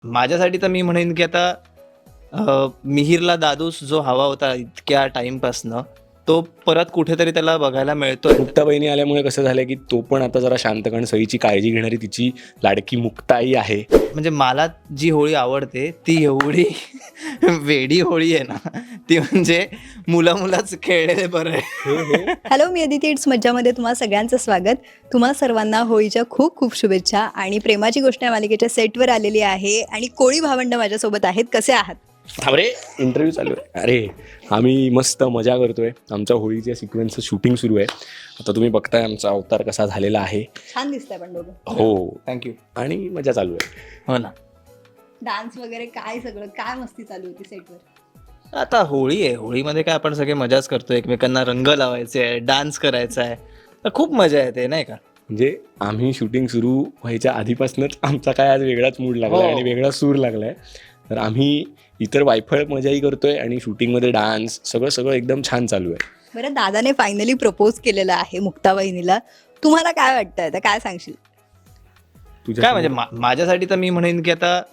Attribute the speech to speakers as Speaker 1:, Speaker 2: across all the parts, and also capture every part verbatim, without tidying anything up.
Speaker 1: माझ्यासाठी तर मी म्हणेन की आता अ, मिहीरला दादूस जो हवा होता इतक्या टाईमपासनं, तो परत कुठेतरी त्याला बघायला मिळतोय.
Speaker 2: मुक्ता बहिणी आल्यामुळे कसं झालं की तो पण आता जरा शांत, कारण सईची काळजी घेणारी तिची लाडकी मुक्ताई आहे.
Speaker 1: म्हणजे मला जी होळी आवडते ती एवढी वेडी होळी आहे ना, ती म्हणजे मुलं मुलाच खेळलेले बरं आहे.
Speaker 3: हॅलो, मी अदिती. इट्स मज्जामध्ये तुम्हा सगळ्यांचं स्वागत. तुम्हा सर्वांना होळीच्या खूप खूप शुभेच्छा. आणि प्रेमाची गोष्ट या मालिकेच्या सेटवर आलेली आहे आणि कोळी भावंड माझ्यासोबत आहेत. कसे आहात?
Speaker 2: अरे इंटरव्ह्यू चालू आहे. अरे आम्ही मस्त मजा करतोय. आमच्या होळीच्या सिक्वेन्सचं शूटिंग सुरू आहे. आता तुम्ही बघताय आमचा अवतार कसा झालेला आहे.
Speaker 3: छान दिसतंय पण दोघं.
Speaker 2: हो,
Speaker 1: थँक्यू.
Speaker 2: आणि मजा चालू आहे.
Speaker 1: हो ना.
Speaker 3: डान्स वगैरे काय सगळं काय मस्ती चालू होती सेटवर?
Speaker 1: आता होळी आहे. होळीमध्ये काय आपण सगळे मजाच करतो, एकमेकांना रंग लावायचे आहे, डान्स करायचा आहे, तर खूप मजा येते नाही का.
Speaker 2: म्हणजे आम्ही शूटिंग सुरू व्हायच्या आधीपासूनच आमचा काय आज वेगळाच मूड लागला
Speaker 1: हो.
Speaker 2: आणि वेगळा सूर लागलाय. तर आम्ही इतर वायफळ मजाही करतोय आणि शूटिंगमध्ये डान्स सगळं सगळं एकदम छान चालू आहे.
Speaker 3: बरं, दादाने फायनली प्रपोज केलेलं आहे मुक्ता वहिनीला. तुम्हाला काय वाटतंय? तर काय सांगशील?
Speaker 2: तुझ्या
Speaker 1: काय म्हणजे मा- माझ्यासाठी तर मी म्हणेन की आता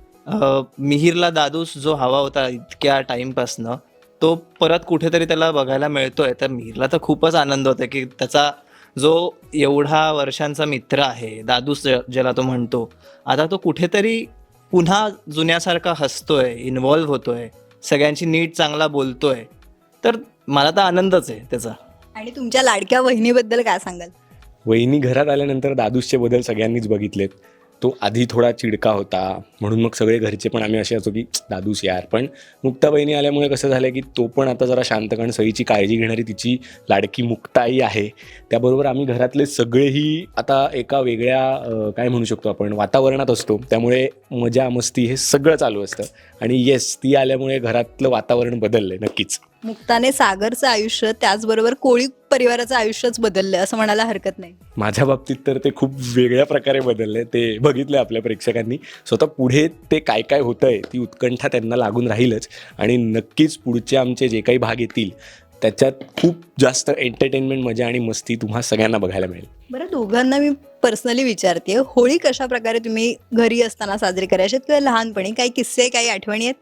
Speaker 1: अ, मिहीरला दादूस जो हवा होता इतक्या टाईमपासनं, तो परत कुठेतरी त्याला बघायला मिळतोय. तर मिहीरला तर खूपच आनंद होतो की त्याचा जो एवढा वर्षांचा मित्र आहे, दादूस ज- ज्याला तो म्हणतो, आता तो कुठेतरी पुन्हा जुन्यासारखा हसतोय, इन्व्हॉल्व्ह होतोय, सगळ्यांची नीट चांगला बोलतोय. तर मला तर आनंदच आहे त्याचा.
Speaker 3: आणि तुमच्या लाडक्या वहिनीबद्दल काय सांगाल?
Speaker 2: वहिनी घरात आल्यानंतर दादूसचे बदल सगळ्यांनीच बघितलेत. तो आधी थोडा चिडका होता, म्हणून मग सगळे घरचे पण आम्ही असे असो की दादूस यार. पण मुक्ता बहिणी आल्यामुळे कसं झालं की तो पण आता जरा शांत, कारण सईची काळजी घेणारी तिची लाडकी मुक्ताई आहे. त्याबरोबर आम्ही घरातले सगळेही आता एका वेगळ्या अं, काय म्हणू शकतो आपण, वातावरणात असतो. त्यामुळे मजा मस्ती हे सगळं चालू असतं. आणि येस, ती आल्यामुळे घरातलं वातावरण बदललं आहे नक्कीच.
Speaker 3: मुक्ताने सागरचं आयुष्य, त्याचबरोबर कोळी परिवाराचं आयुष्यच बदललंय असं म्हणायला हरकत नाही.
Speaker 2: माझ्या बाबतीत तर ते खूप वेगळ्या प्रकारे बदलले. ते बघितलं आपल्या प्रेक्षकांनी. स्वतः पुढे ते काय काय होतं आहे ती उत्कंठा त्यांना लागून राहीलच. आणि नक्कीच पुढचे आमचे जे काही भाग येतील त्याच्यात खूप जास्त एंटरटेनमेंट, मजा आणि मस्ती तुम्हा सगळ्यांना बघायला मिळेल.
Speaker 3: बरं, दोघांना मी पर्सनली विचारते, होळी कशा प्रकारे तुम्ही घरी असताना साजरी करायची किंवा लहानपणी काही किस्से, काही आठवणी आहेत?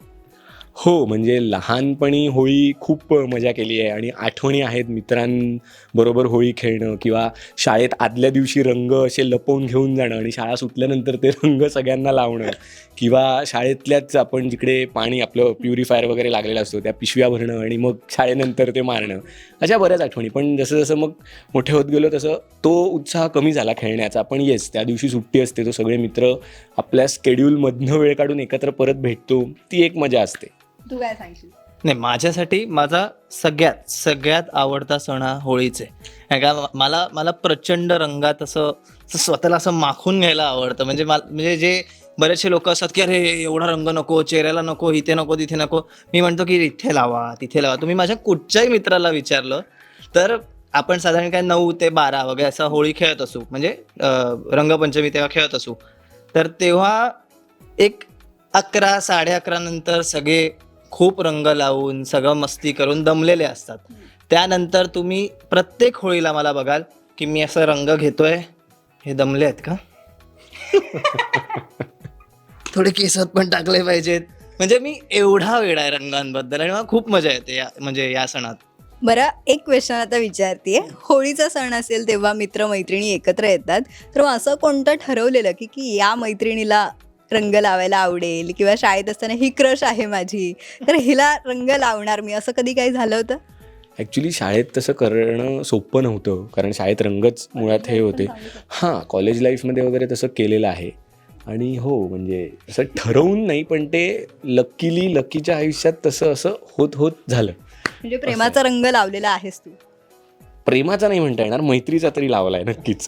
Speaker 2: हो, म्हणजे लहानपणी होळी खूप मजा केली आहे आणि आठवणी आहेत. मित्रांबरोबर होळी खेळणं किंवा शाळेत आदल्या दिवशी रंग असे लपवून घेऊन जाणं आणि शाळा सुटल्यानंतर ते रंग सगळ्यांना लावणं, किंवा शाळेतल्याच आपण जिकडे पाणी आपलं प्युरिफायर वगैरे लागलेलं असतो त्या पिशव्या भरणं आणि मग शाळेनंतर ते मारणं, अशा बऱ्याच आठवणी. पण जसं जसं मग मोठे होत गेलो तसं तो उत्साह कमी झाला खेळण्याचा. पण येस, त्या दिवशी सुट्टी असते, तो सगळे मित्र आपल्या स्केड्यूलमधनं वेळ काढून एकत्र परत भेटतो, ती एक मजा असते.
Speaker 3: तू काय सांगशील?
Speaker 1: नाही, माझ्यासाठी माझा सगळ्यात सगळ्यात आवडता सण हा होळीच आहे. कारण का मला मला प्रचंड रंगात असं असं स्वतःला असं माखून घ्यायला आवडतं. म्हणजे मला म्हणजे जे बरेचसे लोक असतात की अरे एवढा रंग नको, चेहऱ्याला नको, इथे नको, तिथे नको. मी म्हणतो की इथे लावा, तिथे लावा. तुम्ही माझ्या कुठच्याही मित्राला विचारलं तर आपण साधारण काय नऊ ते बारा वगैरे असं होळी खेळत असू, म्हणजे अं, रंगपंचमी तेव्हा खेळत असू. तर तेव्हा एक अकरा साडे अकरा नंतर सगळे खूप रंग लावून सगळं मस्ती करून दमलेले असतात. त्यानंतर तुम्ही प्रत्येक होळीला मला बघाल की मी असं रंग घेतोय, हे दमले आहेत का, थोडे केसात पण टाकले पाहिजेत. म्हणजे मी एवढा वेडा आहे रंगांबद्दल आणि मला खूप मजा येते या म्हणजे या सणात.
Speaker 3: बरं, एक क्वेश्चन आता विचारते. होळीचा सण असेल तेव्हा मित्रमैत्रिणी एकत्र येतात, तर मग असं कोणतं ठरवलेलं की की या मैत्रिणीला रंग लावायला आवडेल, किंवा शाळेत असताना ही क्रश आहे माझी, तर हिला रंग लावणार मी, असं कधी काही झालं होतं?
Speaker 2: ॲक्च्युली शाळेत तसं करणं सोपं नव्हतं, कारण शाळेत रंगच मुळात हे होते. हां, कॉलेज लाईफमध्ये वगैरे तसं केलेलं आहे. आणि हो, म्हणजे असं ठरवून नाही, पण ते लकीली लकीच्या आयुष्यात तसं असं होत होत झालं.
Speaker 3: म्हणजे प्रेमाचा रंग लावलेला आहेस तू?
Speaker 2: प्रेमाचा नाही म्हणता येणार, मैत्रीचा तरी लावला आहे नक्कीच.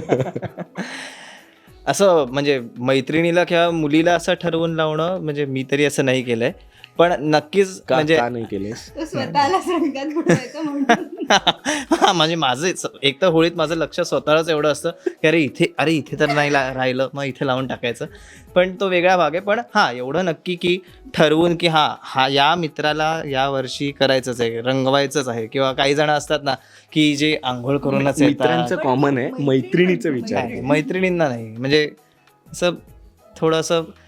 Speaker 1: असं म्हणजे मैत्रिणीला किंवा मुलीला असं ठरवून लावणं म्हणजे मी तरी असं नाही केलंय. पण नक्कीच
Speaker 2: का
Speaker 1: म्हणजे
Speaker 2: का नाही केलेस?
Speaker 3: स्वतःलाच रंगात बुडवायचं म्हणून.
Speaker 1: हा, म्हणजे माझं एक तर होळीत माझं लक्ष स्वतःलाच एवढं असतं की अरे इथे अरे इथे तर नाही ला- राहिलं, मग इथे लावून टाकायचं. पण तो वेगळा भाग आहे. पण हा, एवढं नक्की की ठरवून की हा हा या मित्राला या वर्षी करायचंच आहे, रंगवायचंच आहे. किंवा काही जण असतात ना की जे आंघोळ करूनच
Speaker 2: मित्रांचं
Speaker 1: येतात.
Speaker 2: कॉमन आहे, मैत्रिणीचं विचार.
Speaker 1: नाही, मैत्रिणींना नाही. म्हणजे असं थोडंसं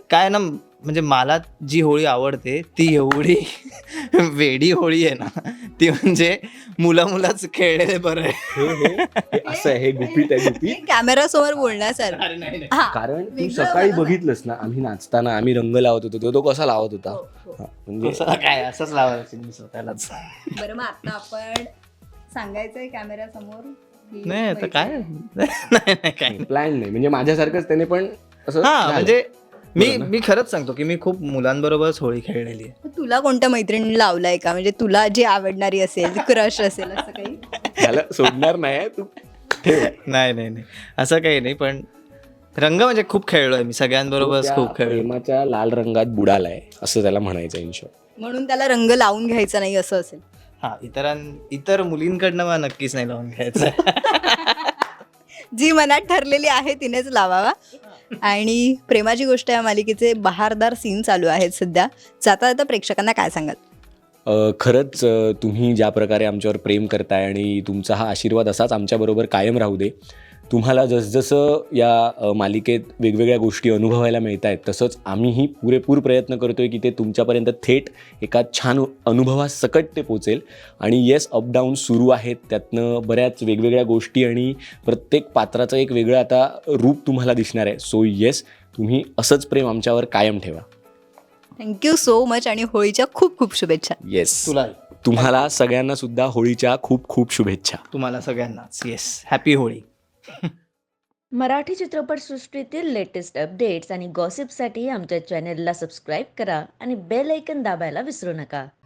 Speaker 1: काय ना, म्हणजे मला जी होळी आवडते ती एवढी वेडी होळी आहे ना, ती म्हणजे मुला मुलाच खेळलेले बरं आहे.
Speaker 2: हे हे हे असं आहे, हे गुपित आहे गुपित.
Speaker 3: कॅमेरा समोर बोलण्यासारखं.
Speaker 1: अरे नाही नाही.
Speaker 3: हा
Speaker 2: कारण तू
Speaker 3: वेगळं
Speaker 2: सकाळी
Speaker 3: मला
Speaker 2: बघितलंस ना, आम्ही नाचताना आम्ही रंग लावत होतो, तो तो कसा लावत होता.
Speaker 3: हो, हो.
Speaker 2: हा, म्हणजे
Speaker 1: असं काय असंच लावायचं मी स्वतःलाच.
Speaker 3: बरं मग आता आपण सांगायचंय कॅमेरा समोर की
Speaker 1: नाही आता काय
Speaker 3: मैत्रीण-
Speaker 1: नाही नाही काय नाही.
Speaker 2: प्लॅन नाही, म्हणजे माझ्यासारखंच त्याने पण असं
Speaker 1: हा
Speaker 2: झालं.
Speaker 1: म्हणजे मी
Speaker 2: बरं ना?
Speaker 1: मी खरंच सांगतो की मी खूप मुलांबरोबरच होळी खेळलेली आहे.
Speaker 3: मग तुला कोणत्या मैत्रिणी लावलाय का, म्हणजे तुला जी आवडणारी असेल, क्रश असेल असं काही?
Speaker 2: त्याला सोडणार नाही तू, ठेव.
Speaker 1: नाही नाही नाही असं काही नाही, पण रंग म्हणजे खूप खेळलोय मी सगळ्यांबरोबरच
Speaker 2: त्या
Speaker 1: खूप खेळलो.
Speaker 2: प्रेमाच्या लाल रंगात बुडालाय असं त्याला म्हणायचं इन शॉर्ट.
Speaker 3: म्हणून त्याला रंग लावून घ्यायचा नाही असं असेल.
Speaker 1: हा इतरां इतर मुलींकडनं मला नक्कीच नाही लावून घ्यायचं.
Speaker 3: जी मनात ठरलेली आहे तिनेच लावावा. आणि प्रेमाची गोष्ट या मालिकेचे बहारदार सीन चालू आहेत सध्या. जाता जाता प्रेक्षकांना काय सांगाल?
Speaker 2: अ, खरंच अ, तुम्ही ज्या प्रकारे आमच्यावर प्रेम करताय आणि तुमचा हा आशीर्वाद असाच आमच्याबरोबर कायम राहू दे. तुम्हाला जसजसं या अ, मालिकेत वेगवेगळ्या गोष्टी अनुभवायला मिळत आहेत, तसंच आम्हीही पुरेपूर प्रयत्न करतो आहे की ते तुमच्यापर्यंत थेट एका छान अनुभवासकट ते पोचेल. आणि येस, अपडाऊन सुरू आहेत, त्यातनं बऱ्याच वेगवेगळ्या गोष्टी आणि प्रत्येक पात्राचं एक वेगळं आता रूप तुम्हाला दिसणार आहे. सो येस, तुम्ही असंच प्रेम आमच्यावर कायम ठेवा.
Speaker 3: थँक्यू सो मच आणि होळीच्या खूप खूप शुभेच्छा.
Speaker 2: येस,
Speaker 1: तुला
Speaker 2: तुम्हाला सगळ्यांना सुद्धा होळीच्या खूप खूप शुभेच्छा.
Speaker 1: तुम्हाला सगळ्यांनाच येस हॅपी होळी.
Speaker 4: मराठी चित्रपटसृष्टीतील लेटेस्ट अपडेट्स आणि गॉसिपसाठी आमच्या चॅनेलला सबस्क्राईब करा आणि बेल ऐकन दाबायला विसरू नका.